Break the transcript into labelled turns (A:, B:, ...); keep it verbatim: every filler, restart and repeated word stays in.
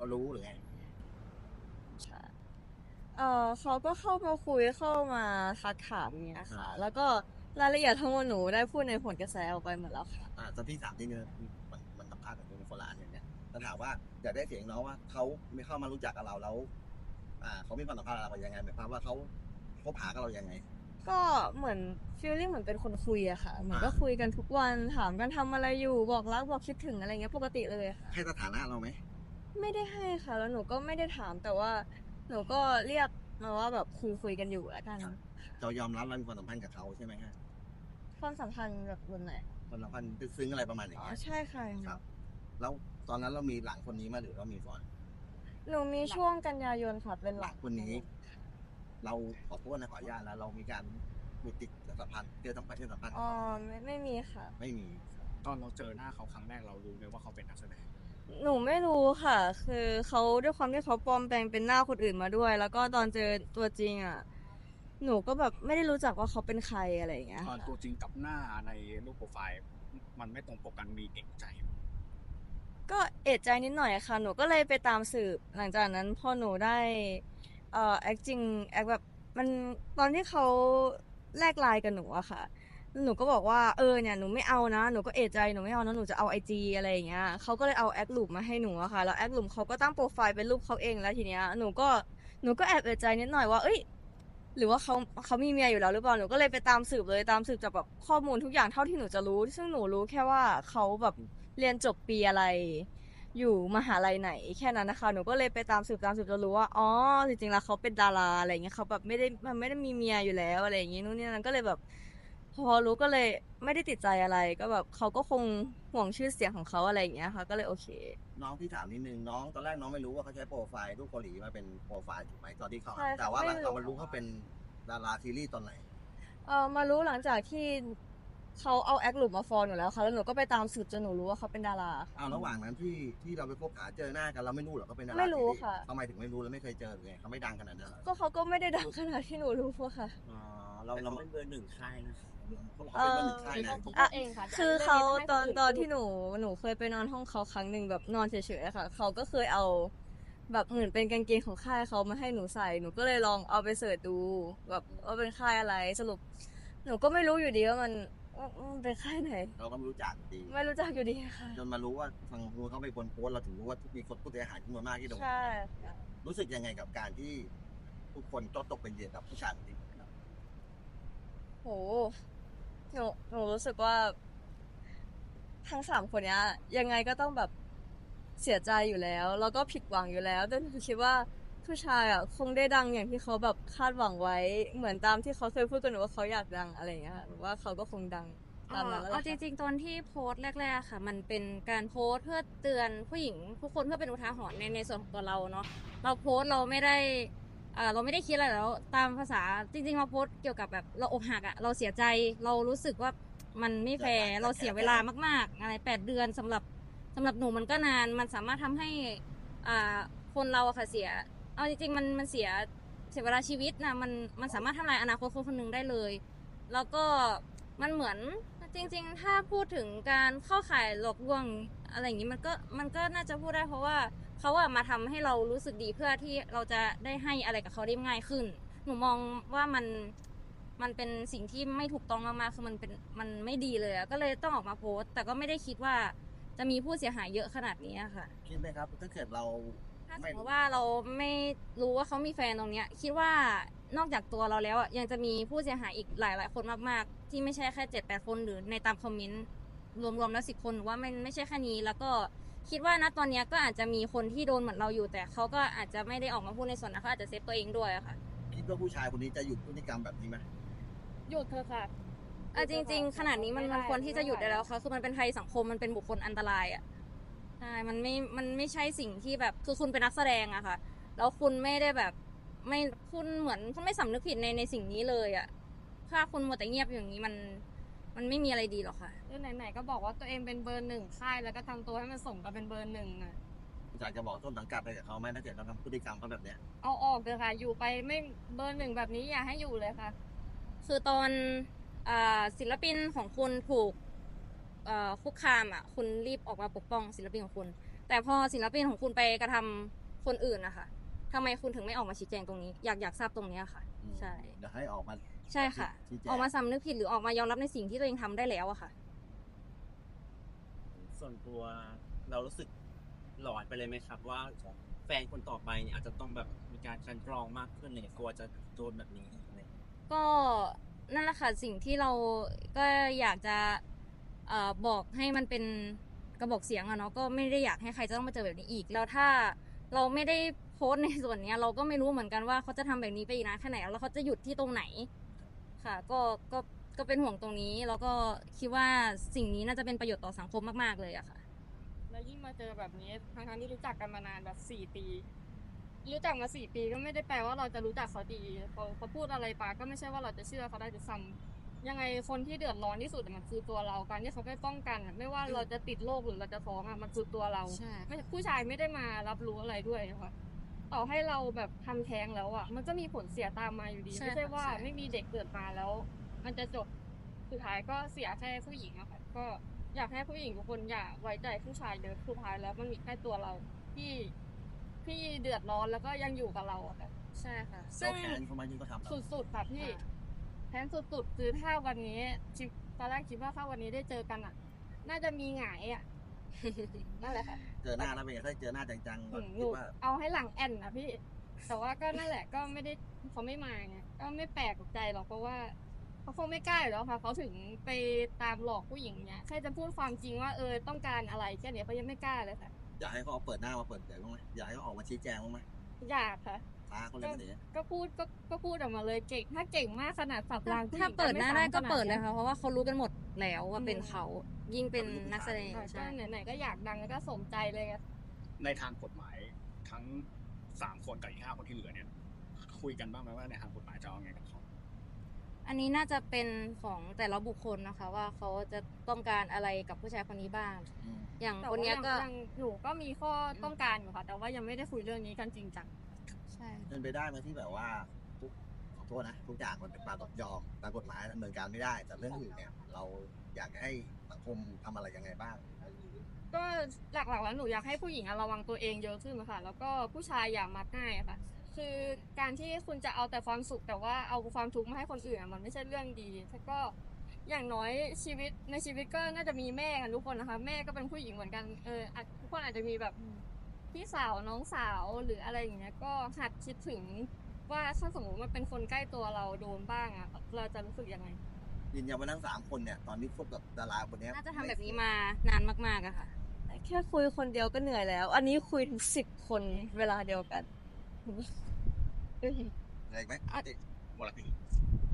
A: รู้หรือไง
B: ใช่เออเขาก็เข้ามาคุยเข้ามาทักถามเนี้ยค่ะแล้วก็รายละเอียดทั้งหมดหนูได้พูดในผลกระแสออกไปหมดแล้วค่ะ
A: อ่าตอนที่สามที่เนี่ยมันมันสัมภาษณ์กับคุณโคลานอย่างเนี้ยแล้วถามว่าอยากได้เสียงน้องว่าเขาไม่เข้ามารู้จักกับเราแล้วอ่าเขามีความสัมพันธ์กับเรายังไงหมายความว่าเขาคบหากับเรายังไง
B: ก็เหมือนฟีลลิ่งเหมือนเป็นคนคุยอะค่ะเหมือนก็คุยกันทุกวันถามกันทำอะไรอยู่บอกรักบอกคิดถึงอะไรเงี้ยปกติเลยค่ะ
A: ให้สถานะเราไหม
B: ไม่ได้ให้ค่ะแล้วหนูก็ไม่ได้ถามแต่ว่าหนูก็เรียกมาว่าแบบคุยคุยกันอยู่แล้วกัน
A: เรายอมรับเรามีความสัมพันธ์กับเขาใช่ไหมฮะ
B: ความสัมพันธ์แบบบนไหน
A: ความสัมพันธ์ซึ้งอะไรประมาณอย่าง
B: อ๋อ
A: เงี้ย
B: ใช่ค่ะ
A: ครับแล้วตอนนั้นเรามีหลังคนนี้มาหรือเรามีก่อน
B: หนูมีช่วงกันยายนค่ะเป็น
A: ห
B: หลัก
A: ลังคนนี้เราขอโทษนะขออนุญาตแล้วเรามีการมีติดสัมพันธ์เจอสัมพันธ์เจอสัมพันธ์
B: อ๋อไม่ไม่มีค่ะ
A: ไม่มี
C: ตอนเราเจอหน้าเขาครั้งแรกเรารู้ไหมว่าเขาเป็นนักแสดง
B: หนูไม่รู้ค่ะ คือเขาด้วยความที่เขาปลอมแปลงเป็นหน้าคนอื่นมาด้วย แล้วก็ตอนเจอตัวจริงอ่ะหนูก็แบบไม่ได้รู้จักว่าเขาเป็นใครอะไรอย่างเงี้ย
C: ตอน
B: ค่ะ
C: ตัวจริงกับหน้าในรูปโปรไฟล์มันไม่ตรงปกกันมีเอกใจไหม
B: ก็เอะใจนิดหน่อยค่ะหนูก็เลยไปตามสืบหลังจากนั้นพอหนูได้เอ่อแอคจริงแอคแบบมันตอนที่เขาแลกไลน์กับหนูอะค่ะหนูก็บอกว่าเออเนี่ยหนูไม่เอานะหนูก็เอะใจหนูไม่เอานะหนูจะเอาไอจีอะไรอย่างเงี้ยเขาก็เลยเอาแอคลูปมาให้หนูอะค่ะแล้วแอคลูปเขาก็ตั้งโปรไฟล์เป็นรูปเขาเองแล้วทีเนี้ยหนูก็หนูก็แอบเอะใจนิดหน่อยว่าเอ้ยหรือว่าเขาเขามีเมียอยู่แล้วหรือเปล่าหนูก็เลยไปตามสืบเลยตามสืบจากแบบข้อมูลทุกอย่างเท่าที่หนูจะรู้ซึ่งหนูรู้แค่ว่าเขาแบบเรียนจบปีอะไร อยู่มหาลัยไหนแค่นั้นนะคะหนูก็เลยไปตามสืบตามสืบจนรู้ว่าอ๋อจริงๆแล้วเขาเป็นดาราอะไรเงี้ยเขาแบบไม่ได้มันไม่ได้มีเมียอยู่แล้วอะไรอย่างงี้นู่นนี่นั่นก็เลยแบบพอรู้ก็เลยไม่ได้ติดใจอะไรก็แบบเขาก็คงห่วงชื่อเสียงของเขาอะไรอย่างเงี้ยค่ะก็เลยโอเค
A: น้องที่ถามนิดนึงน้องตอนแรกน้องไม่รู้ว่าเขาใช้โปรไฟล์รูปเกาหลีมาเป็นโปรไฟล์ถูกไหมตอนที่เขา
B: ใช่
A: แต่
B: ค่ะไม่
A: ว่าหลังเรา
B: รู้
A: มารู้เขาเป็นดาราซีรีส์ตอนไหน
B: เออมารู้หลังจากที่เขาเอาแอคหลุมมาฟอลหนูแล้วค่ะแล้วหนูก็ไปตามสืบจนหนูรู้ว่าเขาเป็นดารา
A: เอาระหว่างนั้นที่ที่เราไปพบหาเจอหน้ากันเราไม่รู้หรอเขาเป็นดารา
B: ไม่
A: ซีรีส์
B: รู้ค่ะ
A: ทำไมถึงไม่รู้แล้วไม่เคยเจอเลยเขาไม่ดังขนาดนั้นหรอ
B: ก็เขาก็ไม่ได้ดังขนาดที่หนูรู้อะค่ะ
A: อ๋อเราเรา
D: เป็นเบอร์หนึ่งค่ายนะ
A: เขาบอกเขาเป็นเบอร์หนึ่งค่ายนะ
B: อ่ะคือเขาตอนตอนที่หนูหนูเคยไปนอนห้องเขาครั้งหนึ่งแบบนอนเฉยๆค่ะเขาก็เคยเอาแบบเหมือนเป็นกางเกงของค่ายเขามาให้หนูใส่หนูก็เลยลองเอาไปเสิร์ชดูแบบว่าเป็นค่ายอะไรสรุปหนูก็ไม่รู้อยู่ดีว่ามันมันเป็นค่ายไหน
A: เราก็ไม่รู้จักดี
B: ไม่รู้จักอยู่ดีค่ะ
A: จนมารู้ว่าทางนู้นเขาเป็นคนโพสเราถึงรู้ว่ามีคนผู้เสียหายจำนวนมากที่โดน
B: ใช่
A: รู้สึกยังไงกับการที่ทุกคนต้องตกเป็นเหยื่อกับผู้ชายคนนี้ครับ
B: โหหนูหนูรู้สึกว่าทั้งสามคนเนี้ยยังไงก็ต้องแบบเสียใจอยู่แล้วแล้วก็ผิดหวังอยู่แล้วแต่หนูคิดว่าผู้ชายอ่ะคงได้ดังอย่างที่เขาแบบคาดหวังไว้เหมือนตามที่เขาเคยพูดกันหนูว่าเขาอยากดังอะไรอย่างเงี้ยค่ะหรือว่าเขาก็คงดังตามนั้นแล้ว
E: เอาจริงๆตอนที่โพสต์แรกๆค่ะมันเป็นการโพสต์เพื่อเตือนผู้หญิงทุกคนเพื่อเป็นอุทาหรณ์ในในส่วนของตัวเราเนาะเราโพสต์เราไม่ได้อ่าเราไม่ได้คิดอะไรแล้วตามภาษาจริงๆเราโพสต์เกี่ยวกับแบบเราอกหักอะเราเสียใจเรารู้สึกว่ามันไม่แฟร์เราเสียเวลามากๆอะไรแปดเดือนสำหรับสำหรับหนูมันก็นานมันสามารถทำให้อ่าคนเราอะค่ะเสียเอาจริงๆมันมันเสียเสียเวลาชีวิตนะมันมันสามารถทำลายอนาคตคนคนหนึ่งได้เลยแล้วก็มันเหมือนจริงๆถ้าพูดถึงการเข้าข่ายหลอกลวงอะไรอย่างนี้มันก็มันก็น่าจะพูดได้เพราะว่าเขาอะมาทำให้เรารู้สึกดีเพื่อที่เราจะได้ให้อะไรกับเขาได้ง่ายขึ้นหนูมองว่ามันมันเป็นสิ่งที่ไม่ถูกต้องมากๆคือมันเป็นมันไม่ดีเลยอะก็เลยต้องออกมาโพสต์แต่ก็ไม่ได้คิดว่าจะมีผู้เสียหายเยอะขนาดนี้ค่ะ
A: คิดไหมครับถ้าเกิดเรา
E: ถ้าสมมติว่าเราไม่รู้ว่าเขามีแฟนตรงเนี้ยคิดว่านอกจากตัวเราแล้วอ่ะยังจะมีผู้เสียหายอีกหลายๆคนมากๆที่ไม่ใช่แค่เจ็ดแปดคนหรือในตามคอมเมนต์รวมๆแล้วสิบคนว่ามันไม่ใช่แค่นี้แล้วก็คิดว่าณตอนนี้ก็อาจจะมีคนที่โดนเหมือนเราอยู่แต่เขาก็อาจจะไม่ได้ออกมาพูดในส่วนนั้นเขาอาจจะเซฟตัวเองด้วยค่ะ
A: คิดว่าผู้ชายคนนี้จะหยุดพฤติกรรมแบบนี้ไหม
E: หยุดเถอะค่ะอ่ะจริงๆขนาดนี้มันมันควรที่จะหยุดได้แล้วค่ะคือมันเป็นภัยสังคมมันเป็นบุคคลอันตรายอ่ะใช่มันไม่มันไม่ใช่สิ่งที่แบบคือคุณเป็นนักแสดงอะค่ะแล้วคุณไม่ได้แบบไม่คุณเหมือนคุณไม่สำนึกผิดในในสิ่งนี้เลยอะถ้าคุณมัวแต่เงียบอย่างนี้มันมันไม่มีอะไรดีหรอกค่ะ
F: คือไหนๆก็บอกว่าตัวเองเป็นเบอร์หนึ่งค่ายแล้วก็ทำตัวให้มันสมกับเป็นเบอร์หนึ่งอะ
A: อยากจะบอกต้นสังกัดไปกับเขาไหมถ้าเกิดเราทำพฤติกรรมเขาแบบเนี้ย
F: เอาออกเลยค่ะอยู่ไปไม่เบอร์หนึ่งแบบนี้อย่าให้อยู่เลยค่ะ
E: คือตอนอ่าศิลปินของคุณถูกคุกคามอ่ะคุณรีบออกมาปกป้องศิลปินของคุณแต่พอศิลปินของคุณไปกระทำคนอื่นนะคะทำไมคุณถึงไม่ออกมาชี้แจงตรงนี้ อยากอยากทราบตรงเนี้ยค่ะ
A: อืม
E: ใช่
A: เดี๋ยวให้ออกมา
E: ใช่ค่ะ
A: ชี้แจง
E: ออกมาสำนึกผิดหรือออกมายอมรับในสิ่งที่ตัวเองทำได้แล้วอะค่ะ
D: ส่วนตัวเรารู้สึกหลอนไปเลยไหมครับ ว่าแฟนคนต่อไปเนี่ยอาจจะต้องแบบมีการกลันกรองมากขึ้นเลยกลัวจะโดนแบบนี้อะไรอย่างเงี้ย
E: ก็นั่นแหละค่ะสิ่งที่เราก็อยากจะเอ่อบอกให้มันเป็นกระบอกเสียงอะเนาะก็ไม่ได้อยากให้ใครจะต้องมาเจอแบบนี้อีก แล้วถ้าเราไม่ได้โพสต์ในส่วนเนี้ย เราก็ไม่รู้เหมือนกันว่าเขาจะทำแบบนี้ไปอีกนานแค่ไหนแล้วเขาจะหยุดที่ตรงไหนค่ะ ก็ก็ก็เป็นห่วงตรงนี้ แล้วก็คิดว่าสิ่งนี้น่าจะเป็นประโยชน์ต่อสังคมมากๆเลยอะค่ะ
F: แล้วยิ่งมาเจอแบบนี้ทั้งๆที่รู้จักกันมานานแบบสี่ปี รู้จักมาสี่ปีก็ไม่ได้แปลว่าเราจะรู้จักเขาดีเขาเขาพูดอะไรไปก็ไม่ใช่ว่าเราจะเชื่อเขาได้ด้วยซ้ำยังไงคนที่เดือดร้อนที่สุดอะมันคือตัวเราการที่เขาไม่ป้องกันอะไม่ว่าเราจะติดโรคหรือเราจะท้องอะมันคือตัวเรา
E: ใช่
F: ไม่ผู้ชายไม่ได้มารับรู้อะไรด้วยนะคะต่อให้เราแบบทำแท้งแล้วอะมันก็มีผลเสียตามมาอยู่ดี
E: ใช่
F: ไม่ใช่
E: ค่ะ
F: ว่า
E: ใช่
F: ไม่มีเด็กเกิดมาแล้ว มันจะจบสุดท้ายก็เสียแค่ผู้หญิงอะค่ะก็อยากให้ผู้หญิงทุกคนอย่าไว้ใจผู้ชายเยอะสุดท้ายแล้วมันมีแค่ตัวเราที่ที่เดือดร้อนแล้วก็ยังอยู่กับเราอะค่ะ
E: ใช่ค่ะ
A: เราแค้นเขามายิ่งก็ทำเรา
F: สุดๆค่ะพี่
E: ค่ะ
F: แทนสุดๆคือถ้าวันนี้คิดตอนแรกคิดว่าถ้าวันนี้ได้เจอกันอะน่าจะมีหงายอะ นั่นแหละค่ะ
A: เจอหน้าแล้วเป็นไงถ้าเจอหน้าจังๆ
F: ห
A: ก็
F: นูห
A: คิ
F: นู
A: ดว่า
F: เอาให้หลังแอนนะพี่ แต่ว่าก็นั่นแหละก็ไม่ได้เขาไม่มาไงก็ไม่แปลกใจหรอกเพราะว่าเขาคงไม่กล้าอยู่แล้วค่ะเขาถึงไปตามหลอกผู้หญิงเนี้ยแค่จะพูดความจริงว่าเออต้องการอะไรแค่เนี้ยเขายังไม่กล้าเลยค่ะ
A: อยากให้เขาเอาเปิดหน้ามาเปิดเผยบ้างไหมอยากให้เขาออกมาชี้แจงบ้างไหม
F: อยากค่ะ
A: ฟ้าเขาเลยไม่ได้
F: ก็พูดก็ก็พูดออกมาเลยเก่งถ้าเก่งมากขนาดสับรางผู้ห
E: ถ้า
F: ญิง
E: เปิดหน้าได้ก็
F: ม่ซ้ำขนา
E: เปิดเลย
F: นี้
E: ค่ะ เพราะว่าเขารู้กันหมดแล้วว่าเป็นเขา ยิ่งเป็นนักแสดง
F: ค่ะก็
E: ใช่
F: ไหนๆก็อยากดังแล้วก็สมใจเลยอะ
C: ในทางกฎหมายทั้งสามคนกับอีกห้าคนที่เหลือเนี่ย คุยกันบ้างไหมว่าในทางกฎหมายจะเอาไงกับเขา
E: อันนี้น่าจะเป็นของแต่ละบุคคลนะคะ ว่าเขาจะต้องการอะไรกับผู้ชายคนนี้บ้าง
A: อืม
E: อย่าง
F: แต่
E: คน
F: ว่า
E: เนี้ย
F: ยัง
E: ก็
F: ยังหนูก็มีข้อต้องการอยู่ค่ะ แต่ว่ายังไม่ได้คุยเรื่องนี้กันจริงจัง
E: ใช่
A: เป็นไปได้ไหมที่แบบว่าทุกขอโทษนะทุกอย่างมันเป็นตามกฎยอมตามกฎหมายดำเนินการไม่ได้ แต่เรื่องอื่นเนี่ย เราอยากให้สังคมทำอะไรยังไงบ้าง
F: ก็หลักๆแล้วหนูอยากให้ผู้หญิงอะระวังตัวเองเยอะขึ้นค่ะ แล้วก็ผู้ชายอย่ามักง่ายอะค่ะ คือการที่คุณจะเอาแต่ความสุขแต่ว่าเอาความทุกข์มาให้คนอื่นอะมันไม่ใช่เรื่องดีแล้วก็อย่างน้อยชีวิตในชีวิตก็น่าจะมีแม่กันทุกคนนะคะ แม่ก็เป็นผู้หญิงเหมือนกันเอออาจทุกคนอาจจะมีแบบพี่สาวน้องสาวหรืออะไรอย่างเงี้ยก็หัดคิดถึงว่าถ้าสมมติมันเป็นคนใกล้ตัวเราโดนบ้างอะเราจะรู้สึกยังไง
A: ยืนยันว่าทั้งสามคนเนี่ย ตอนนี้คบกับดาราคนเนี้ย
E: น่าจะทำแบบนี้มานานมากๆอะค่ะ
B: แค่คุยคนเดียวก็เหนื่อยแล้ว อันนี้คุยถึงสิบคนเวลาเดียวกัน
A: อะไรอีกไหม
C: หมดละพี่